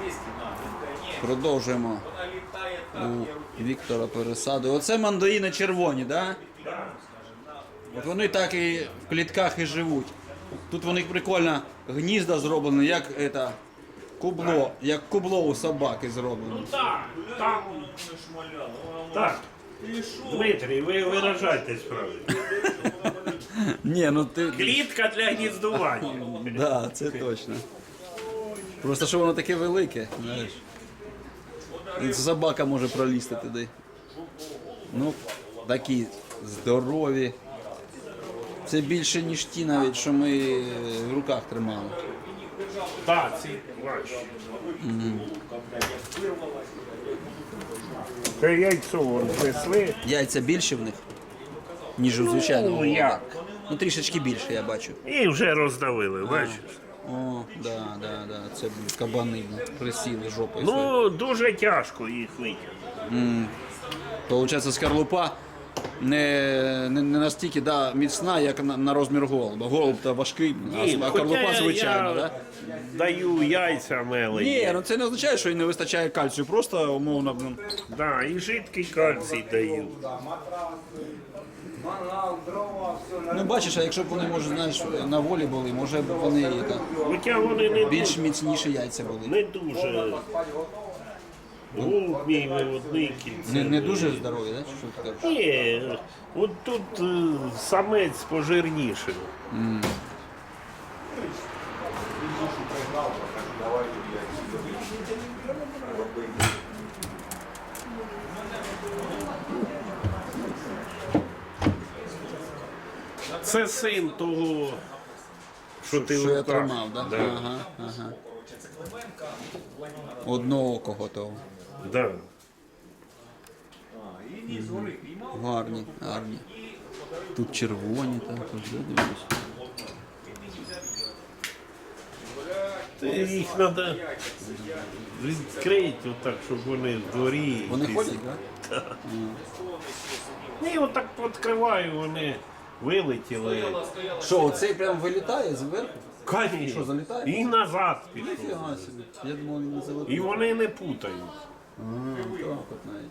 Продовжуємо у Віктора пересаду. Оце мандарини червоні, так? Да? От вони так і в клітках і живуть. Тут у них прикольно гнізда зроблені, як кубло у собаки зроблено. Ну так, там. Так. Дмитрій, ви виражайтесь правильно. Ні, ну ти... Клітка для гніздування. Да, це точно. Просто що воно таке велике, знаєш. Собака може пролізти туди. Ну, такі здорові. Це більше, ніж ті навіть, що ми в руках тримали. Так, ці важчі. Це яйцо внесли. Яйця більше в них, ніж у звичайному. Ну, як? Ну, трішечки більше, я бачу. І вже роздавили, бачиш? О, да. Це кабани присіли жопою. Ну, дуже тяжко їх витягнути. Получається, скорлупа не настільки міцна, як на розмір голуба. Голуб то важкий, а скорлупа звичайна, я даю яйця мелені. Ні, ну це не означає, що їм не вистачає кальцію, просто умовно. Да, і жидкий кальцій даю. Ну бачиш, а якщо б вони, може, знаєш, на волі були, може б вони Хоча вони не більш міцніші яйця були. Не дуже. Голуб мій виводний кільце. Не дуже здорові, так? Що ти кажеш? Ні, от тут самець пожирніший. Це син того, що ти Що я руках. тримав, так? Да? Ага. Одного кого того. Да. Гарні. Тут червоні також, дивлюсь. Їх треба відкрити отак, щоб вони в дворі. Вони ходять, так? Ні, отак відкриваю, вони вилетіли. Що, оцей прям вилітає зверху? Конечно. Що, залітає? І назад пішов. Ніфіга собі. Я думав, він не залетить. І вони не путають. Так от навіть.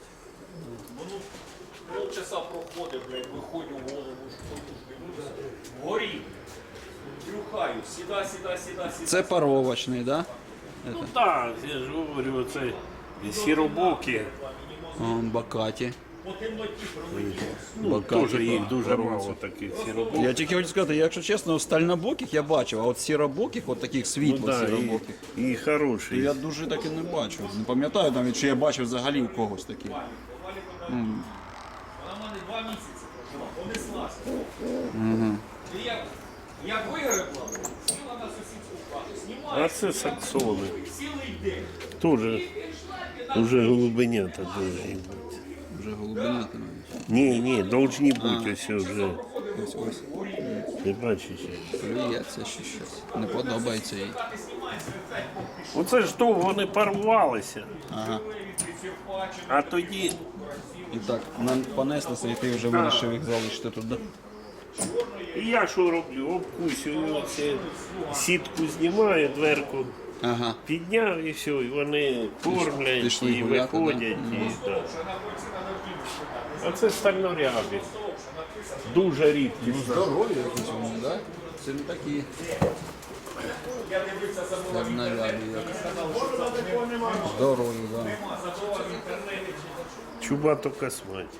Полчаса проходить, блядь, виходжу в голову, дивлюся, горів, трюхаю, сіда. Це паровочний, так? Ну так, я ж говорю, це сіробокі. Бакаті. По темноті пролетів. Ну, теж їх дуже мало таких сіробоких. Я тільки хочу сказати, якщо чесно, стальнобоких я бачив, а от сіробоких, от таких світло-сіробоких, і хороші. я дуже таки не бачу. Не пам'ятаю навіть, чи я бачив взагалі у когось таких. Вона в мене 2 місяці прожила, понеслася. І як вигребла, сіла на сусідську хату, знімає, А це саксони. цілий день. Теж вже голубенята повинні бути. Вже голубенята навіть. Ні, должні бути ось вже. Ось. Ти бачиш? Плюється ще щось. Не подобається їй. Оце ж то вони порвалися. Ага. А тоді І так, нам понеслися, і ти вже вирішив їх залишити тут, да? і я що роблю? Обкусюю оце, сітку знімаю, дверку Ага. підняв і все, і вони кормлять, Пішли і гуляти, виходять. да? І, так. А це стальнорябі. Дуже рідкі. Здорові якісь вони, так? Це не такі. Стальнорябі, як. Здорові, так. Чубато косматі.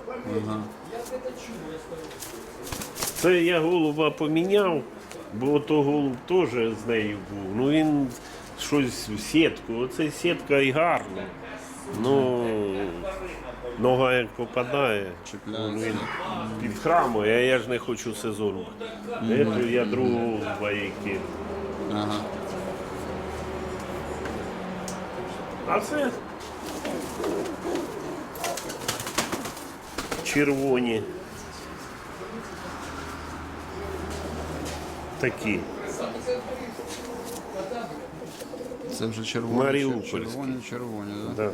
Це я голуба поміняв, бо то голуб теж з нею був. Ну він щось в сітку. Оце сітка і гарна. Ну нога як попадає, Чіпляється. він підхрамує, а я ж не хочу сезону. Я другого голуба їй кинув. Ага. А це червоні. Такі. Це вже червоні. Маріупольські. Червоні, так? Да.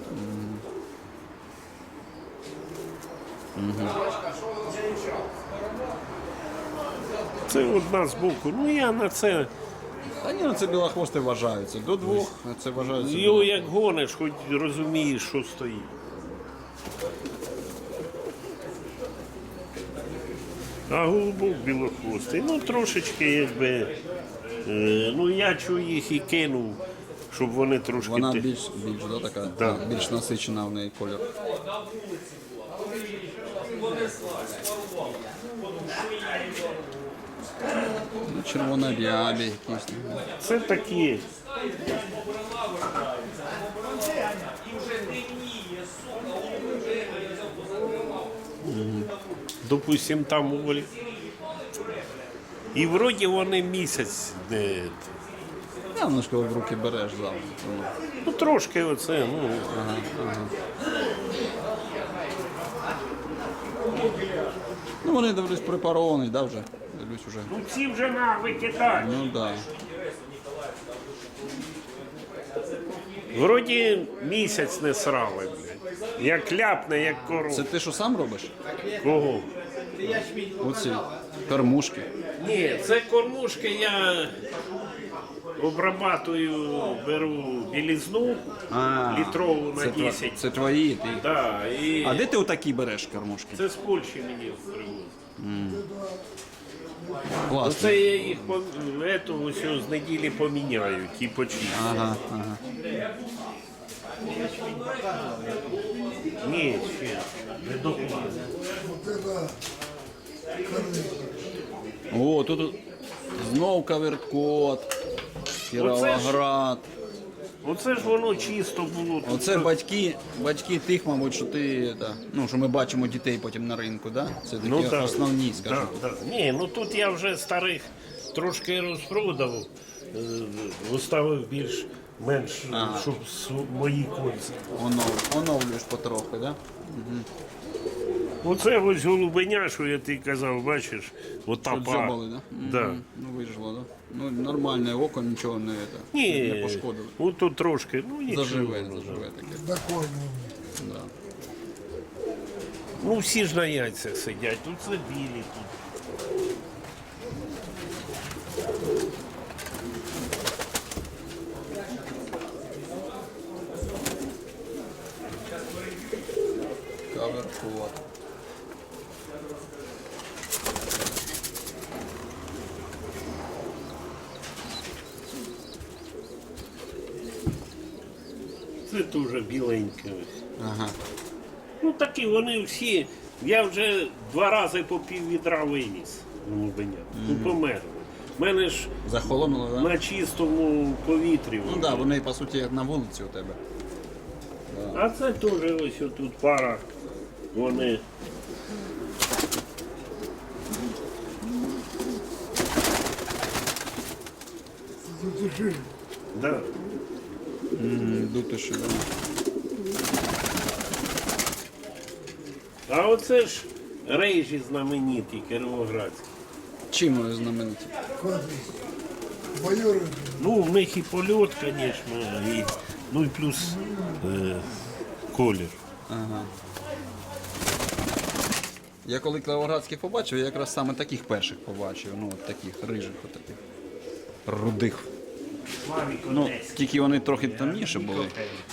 Це одна з боку. Ну я на це Та ні, ну це білохвости вважаються. До 2 це вважаються. Його як гониш, хоч розумієш, що стоїть. А голубок білохвостий, ну трошечки якби. Ну я чую їх і кинув, щоб вони трошки. Вона більш да, така, Да. більш насичена в неї колір. Ну, червонорябі якісь. Це такі. І вже темніє, сука, он вже я взяв позакривав. Допустим, там у волі. І вроді вони місяць. Я немножко в руки береш завжди. Ну трошки оце, ну. Ну вони дивлюсь препаровані, да, вже? Дивлюсь вже. Ну ці вже на викидають. Ну да. Вроді місяць не срали, блядь. Як ляпне, як корова. Це ти що сам робиш? Кого? Оці кормушки. Ні, це кормушки я обрабатую, беру білизну літрову на це 10. Це твої. Ти. Да, і А де ти отакі береш кормушки? це з Польщі мені привозять. Класно. Оце я їх з неділі поміняю, ті почистю. Ага. Ні, ще не доклад. О, тут знов Каверкот, Кіровоград. Оце ж воно чисто було. Тут Оце батьки тих, мабуть, що ти, ну, що ми бачимо дітей потім на ринку, да? Це такі так. основні, скажімо. Да. Ні, ну тут я вже старих трошки розпродав, оставив більш-менш, щоб мої кольця. Оновлюєш потрохи, да? Оце ось голубеня, що я ти казав, бачиш, ота Тут пара. дзьобали, да? Да. Ну, вижила, да? Ну, нормальне око, нічого не Ні, пошкодило. от тут трошки, ну нічого. Заживе таке. Да. Ну всі ж на яйцях сидять, тут це білі тут. Каверкот. Це теж біленьке. Ага. Ну такі вони всі. Я вже 2 рази по пів відра виніс голубеня. Ну померли. У мене ж Захолонуло, да? на чистому повітрі. Ну так, да, вони по суті як на вулиці у тебе. А це теж ось тут пара. Вони. Да. Дутиші, да. А оце ж рейжі знамениті кіровоградські. Чим вони знамениті? Ну, в них і польот, звісно, і, ну і плюс колір. Я коли Кіровоградських побачив, я якраз саме таких перших побачив. Ну, от таких рижих, отаких. Рудих. Ну, тільки вони трохи темніші були.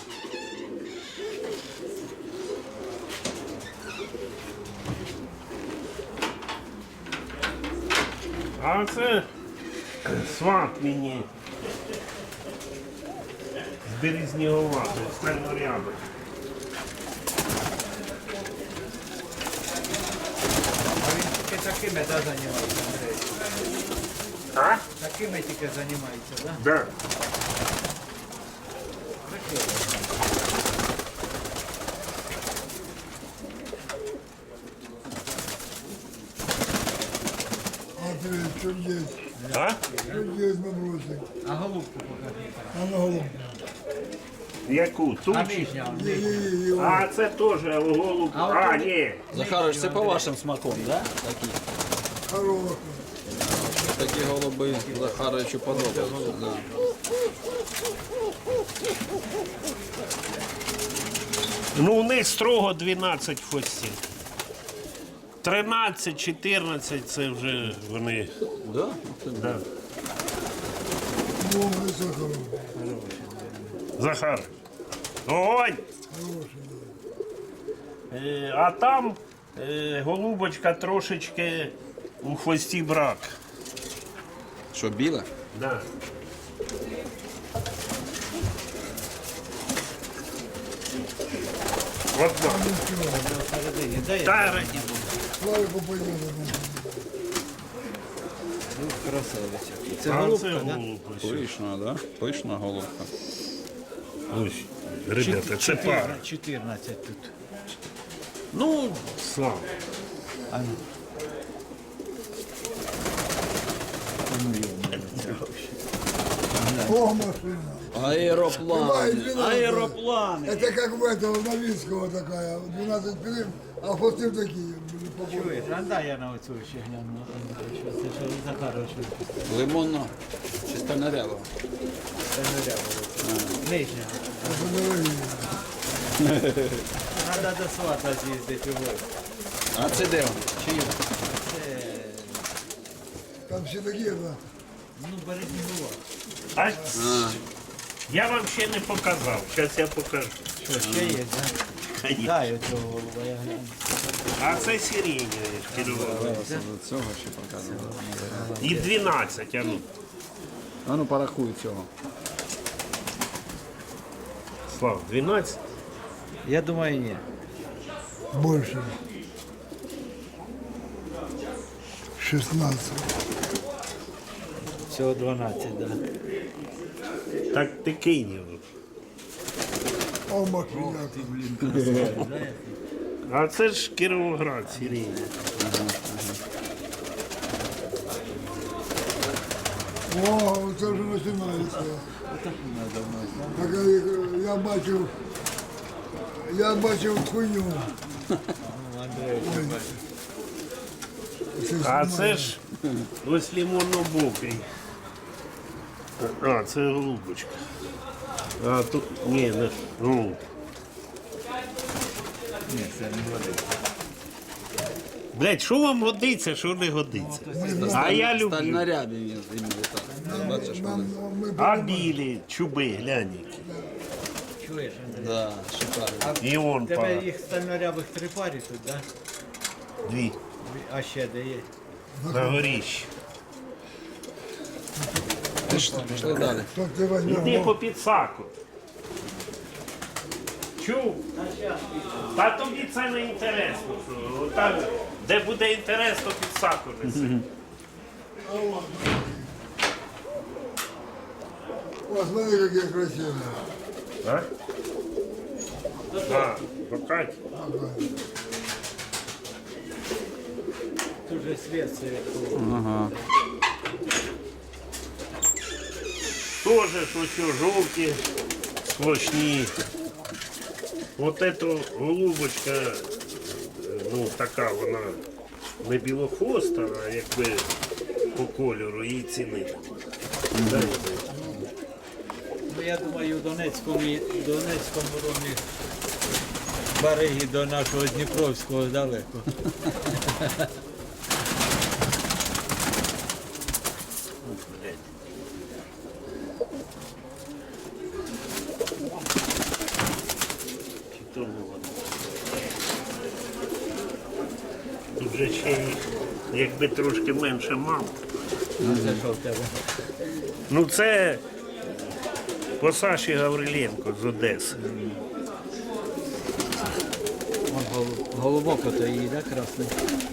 А це сват мені з Березнігова, стальнорябий. А він тільки такими займається, Андрій? А? Такими тільки займається, так? Да. А ты что есть? А? Что есть набросик? А голубку покажи. А на голову. Яку? Ту? А чи- нижня, А це теж голуб. А от А, вони- ні. Захарович, це по вашим смаком, да? Такі, Хороший. такі голуби Захаровичу подобаються. Да. Ну, у них строго 12 хвостів. 13, 14 це вже вони. Да? Да. Ну, это хороший. Захар. Огонь! Хороший. А там голубочка трошечки у хвості брак. Що, біле? Да. От так. Всередині, дай я Та, Славику пойдем. красавиця. Це а голубка, це да? голубка. Пишна, да? Пишна головка. Ось, ребята, це пара. 14 тут. Ну, слава. О, машина. Аероплани. Бывает 12. Аероплани. Это как в этого Новинского такая. 12 пилим, а хвосты такие. Чуєш, а дай я на оцю ще гляну. Це що Захарович випустив. Лимонно. Чи стальнорява? Це не ряво. Нижня. Треба до свата з'їздити в гості. А це де вони? Чи є? Там все такие, да. Ну, Березнігова. А, я вам ще не показав. Зараз я покажу. Що, ще є, да? Конечно. Дай оцього голуба, я гляну. А це сиреневе керували. До цього ще показували. І 12, а ну. А ну порахуй цього. Слав, 12? Я думаю, ні. Больше. 16. Всього 12, да. Так ти кинь його. О, машина. А це ж Кіровоград сиреневе. О, це вже починається. Так, я бачив хуйню. А це ж ось лимонно-бокий. А, це голубочка. А тут, ні, не, ну, Ні, це не годиться. блядь, що вам годиться, що не годиться? А я люблю. Стальнорябі він іменно так. Бачиш, вони. А білі, чуби, глянь. які. Чуєш, Андрій? Да, шикарно. І он Тебе пара. їх стальнорябих 3 парі тут, да? Дві. А ще де є? На горіщі. Пішли далі. Так ти возьмеш. Іди по підсаку. Чув? Та тобі це не інтересно. що Там, де буде інтерес, то підсаку неси. О, смотри, какие красивые. А? А, покать. Тут же світ світ. Ага. Тоже що все жовті, сплошні. Вот эту голубочка, ну така вона не білохвоста, а якби по кольору її цінити. Дай, Ну, я думаю, в Донецькому ромі береги до нашого Дніпровського далеко. чи то не воно. Тут же ще й, якби трошки менше мав. А це що в тебе? Ну це по Саші Гавриленко з Одеси. Голубок ото її, да, красний?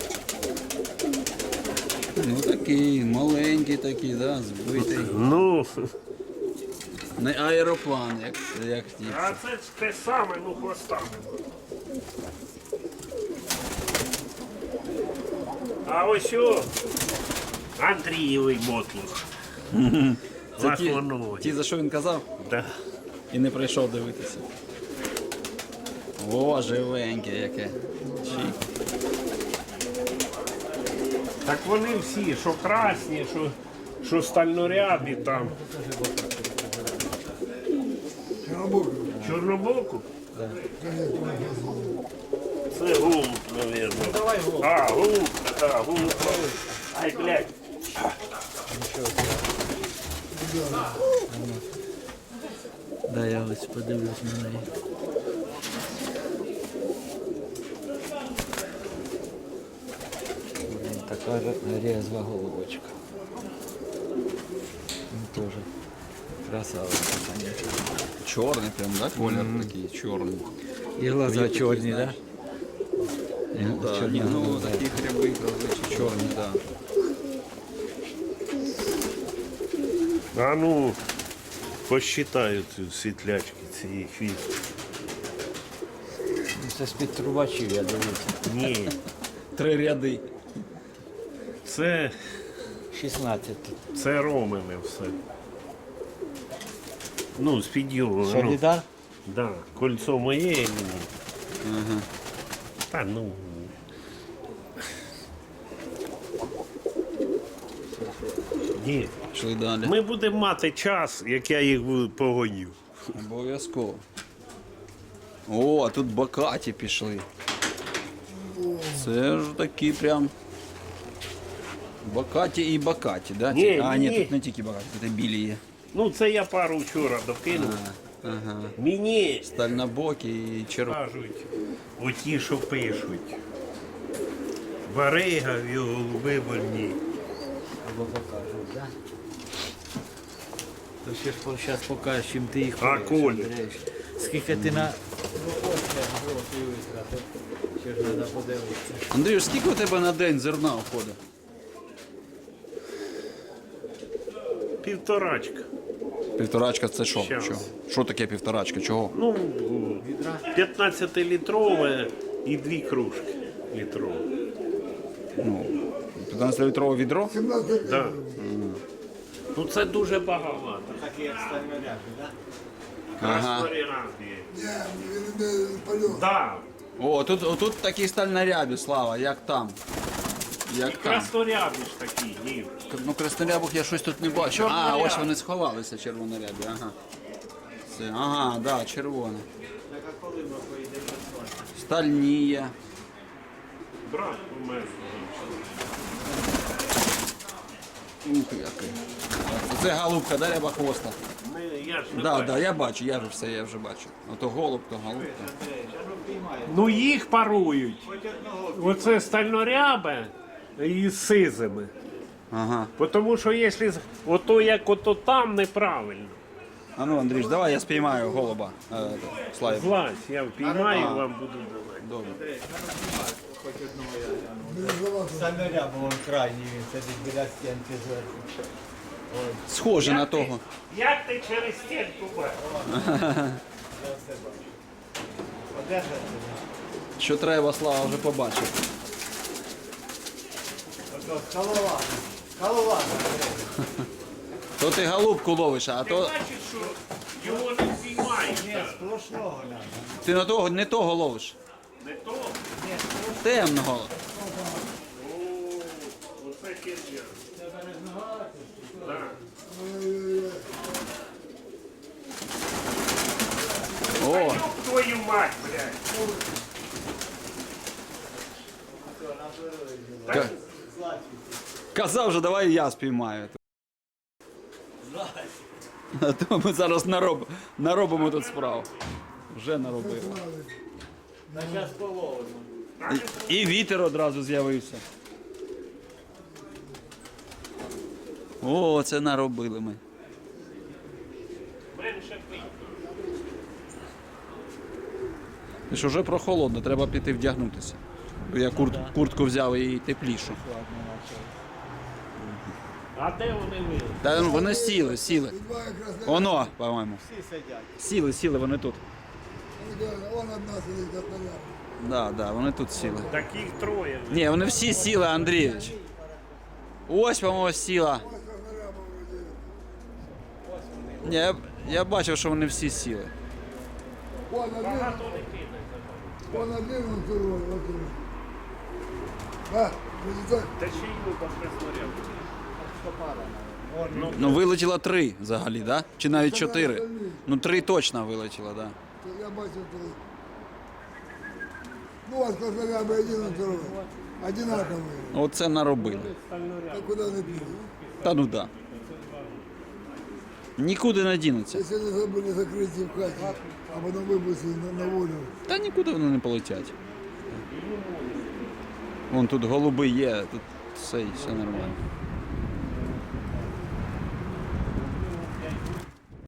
Ну такий, маленький такий, да, збитий. Ну, Не аероплан, як ті. а це ж те саме, ну хвостами. А ось о, Андрієвий мотлух. Це ті, Лахмановий. ті, за що він казав, Да. і не прийшов дивитися. О, живеньке яке. Чик. Так вони всі, що красні, що стальнорябі там. Чорнобок. Чорнобоку? Конечно. Це голуб, мабуть. Давай голуб. А, голубка, так, голуб. Ай, блядь. Да, я ось подивлюсь на неї. Блін, така резва голубочка. Тоже красавиця, конечно. Чорний прям, да? Колір такий чорний. І глаза чорні, да? Ну, да, ні, ну такі гриби, зазвичай чорні, да. А ну, посчитаю ці світлячки цієї хвістки. Це з-під трубачів, я дивлюся. Ні, 3 ряди. це 16 тут. Це Ромине все. Ну, з-під його. Ну, Солідар? да, кольцо моє і мені. Ага. Та ну. Ні. Пішли далі. Ми будемо мати час, як я їх погоню. Обов'язково. О, а тут бакаті пішли. Це ж такі прям. Бакаті і бакаті, да? Ні, А, ні. ні, тут не тільки бакаті, тут і білі є. Ну, це я пару вчора докинув. Ага. Мені Стальнобокі і червоні. кажуть, оті, що пишуть. Барига в його голуби больні. Або покажуть, да? То ще ж зараз покажеш, чим ти їх А, поїш, Коля? Андрійович. Скільки ти на грошей витратив, ще ж треба подивитися. Андрію, скільки у тебе на день зерна входить? Півторачка. Півторачка це що? Щас. Що таке півторачка? Чого? Ну, 15-літрове і 2 кружки літрові. 15-літрове відро? 17 Да. Ну це дуже багато. Такі як стальноряди, так? Ага. Краснорябі. Ні, він не пальов. Да. О, тут такі стальнорябі, Слава, як там. Як там. Краснорябі ж такі, ні. Ну, краснорябок я щось тут не бачу. А, Чорнорябі. ось вони сховалися, червонорябі, ага. Це, ага, да, червоне. Так а коли ми поїдемо на сонце? Стальні є. Брат у мене. Ух, який. Це голубка, да, рябохвоста? Я ж не Да, бачу. да, я бачу, я вже все, я вже бачу. Ото голуб, то голубка. Андрійович, а ну піймай. Ну їх парують. Хоч одного. Оце стальнорябе із сизими. Ага. Тому що якщо ото як ото там неправильно. А ну, Андрій, давай я спіймаю голуба. Славі. Злазь, я впіймаю, вам буду давати. Добре. Хоч одного я гляну. Стальноряб, вон крайній, він сидить біля стінки зверху. Схоже на того. Як ти через стінку бачиш? Я все бачу. Одержати? Що треба, Слава вже побачив. Ото скалолаза. Скалолаза. То ти голубку ловиш, а Ти то бачиш, що його не впіймаєш. Ні, так? сплошного надо. ти на того, не того ловиш. Не то? Темного. О, оце херня. Так. О, Ёб твою мать, блядь. ка- казав же, давай я спіймаю. А то ми зараз наробимо тут справу. Вже наробили. На час половину. І вітер одразу з'явився. О, це наробили ми. Менше пий. Ти ж вже прохолодно, треба піти вдягнутися. Бо я куртку взяв і теплішу. А де вони вили? Та ну, вони сіли. Два якраз Оно, по-моєму. Всі сидять. Сіли, вони тут. он одна сидить, як поляна. Да, вони тут сіли. Таких троє. Ні, вони всі сіли, Андрійович. Ось, по-моєму, сіла. Ні, я бачив, що вони всі сіли. Он один, Багато не кине. он один, он второй, вот он. Да, вот так. Та ще й люба красноряб. Ну, вилетіло 3 взагалі, да? Чи навіть 4. Ну, 3 точно вилетіло, да. Я бачу три. Ну, вот красноярбы один и второй. Одинаковые. Оце наробили. А куда не пили? Та ну да. Нікуди не дінуться. Если они забыли закрыть в хате, а потом выпустили на волю. Та нікуди вони не полетять. Вон тут голуби є, тут все нормально.